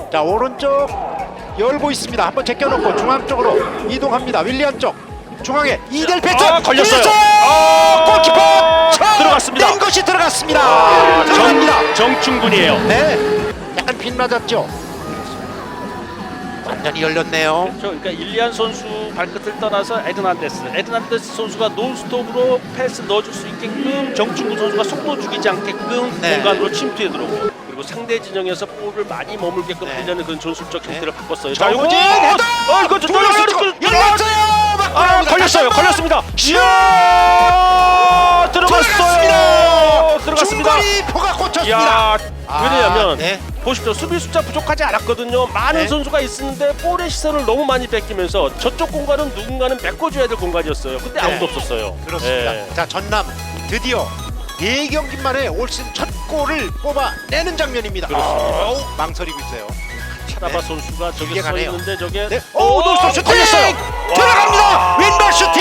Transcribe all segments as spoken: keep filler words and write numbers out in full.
자, 오른쪽 열고 있습니다. 한번 제껴놓고 중앙 쪽으로 이동합니다. 윌리안 쪽 중앙에 이델 패스 아, 걸렸어요. 아, 골키퍼 쳐! 들어갔습니다. 낸 것이 들어갔습니다. 아, 들어갑니다. 정, 정충군이에요. 네, 약간 빗 맞았죠. 완전히 열렸네요. 그렇죠. 그러니까 일리안 선수 발끝을 떠나서 에드난데스, 에드난데스 선수가 논스톱으로 패스 넣어줄 수 있게끔 정충구 선수가 속도 죽이지 않게끔 네. 공간으로 침투해 들어오고, 그리고 상대 진영에서 볼을 많이 머물게끔 네. 하려는 그런 전술적 형태를 바꿨어요. 정우진 자, 헤더! 이거 어, 이거 좀 돌렸어요. 열렸어요. 아, 걸렸어요. 걸렸습니다. 이야, 들어갔어요. 들어갔습니다. 중거리 포가 꽂혔습니다. 야, 아, 왜냐하면 네. 보십시오. 수비 숫자 부족하지 않았거든요. 많은 네. 선수가 있었는데 볼의 시선을 너무 많이 뺏기면서 저쪽 공간은 누군가는 메꿔줘야 될 공간이었어요. 근데 네. 아무도 없었어요. 그렇습니다. 예. 자, 전남 드디어 네 경기 만에 올 시즌 첫 골을 뽑아내는 장면입니다. 그렇습니다. 어우, 망설이고 있어요. 차라바 네. 선수가 저기 길게 서 가네요. 있는데 저게 네. 오, 노스톱 슈팅! 걸렸어요. 들어갑니다. 와. 왼발 슈팅!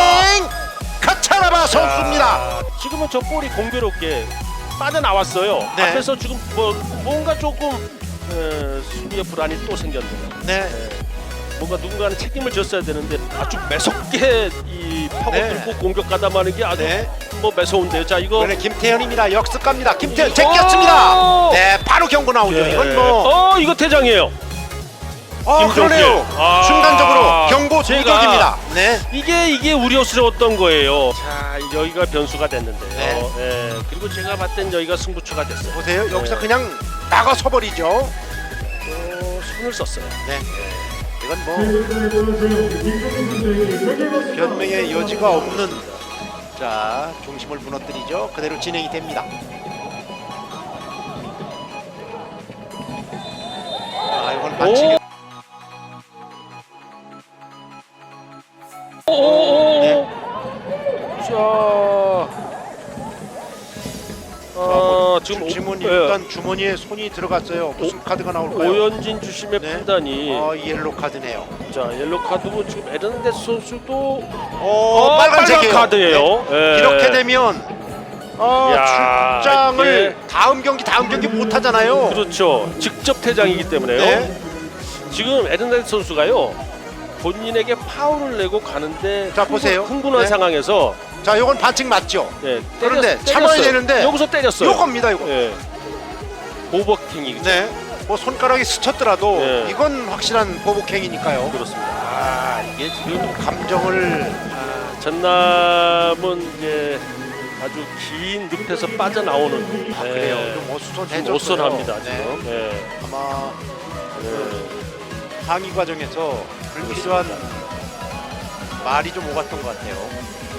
카차라바 선수입니다. 야, 지금은 저 볼이 공교롭게 빠져나왔어요. 네. 앞에서 지금 뭐 뭔가 조금 에, 수비의 불안이 또 생겼네요. 네. 뭔가 누군가는 책임을 졌어야 되는데 아주 매섭게 이 파고 네. 들고 공격 가담하는 게 아주 네. 뭐 매서운데요. 자, 이거 이번에 김태현입니다. 역습 갑니다. 김태현 오! 제꼈습니다. 네, 바로 경고 나오죠. 예. 이건 뭐 어, 이거 퇴장이에요. 어, 김종필. 그러네요. 아, 순간적으로 경고 제가 도적입니다. 네. 이게 이게 우려스러웠던 거예요. 자, 여기가 변수가 됐는데요. 네. 예, 그리고 제가 봤을 땐 여기가 승부처가 됐어요. 보세요. 여기서 네. 그냥 나가서 버리죠. 어, 손을 썼어요. 네. 이건 뭐 변명의 여지가 없는, 자, 중심을 무너뜨리죠. 그대로 진행이 됩니다. 아, 이건 반칙이. 오오오. 네. 자, 어, 지금 주머니 오- 예. 일단 주머니에 손이 들어갔어요. 무슨 카드가 나올까요? 오연진 주심의 네. 판단이 어, 옐로 카드네요. 자, 옐로 카드고 지금 에르난데스 선수도 어, 어, 빨간색이에요. 빨간 카드예요. 네. 예. 이렇게 되면 어, 야, 출장을 이게- 다음 경기 다음 경기 못 하잖아요. 그렇죠. 직접 퇴장이기 때문에요. 네. 지금 에르난데스 선수가요, 본인에게 파울을 내고 가는데 자, 보세요. 흥분한 네. 상황에서 자, 요건 반칙 맞죠? 예, 그런데 때렸- 참아야 때렸어요. 되는데 여기서 때렸어요. 요겁니다, 이거. 예. 오버킹이 네. 뭐 손가락이 스쳤더라도 네. 이건 확실한 보복행위니까요. 그렇습니다. 아, 이게 지금 감정을 아, 전남은 이제 아주 긴 늪에서 빠져나오는 아, 예, 그래요. 좀 어수선해졌어요. 어수선합니다 네. 지금. 예. 아마 예. 항의 과정에서 불필요한 말이 좀 오갔던 것 같아요.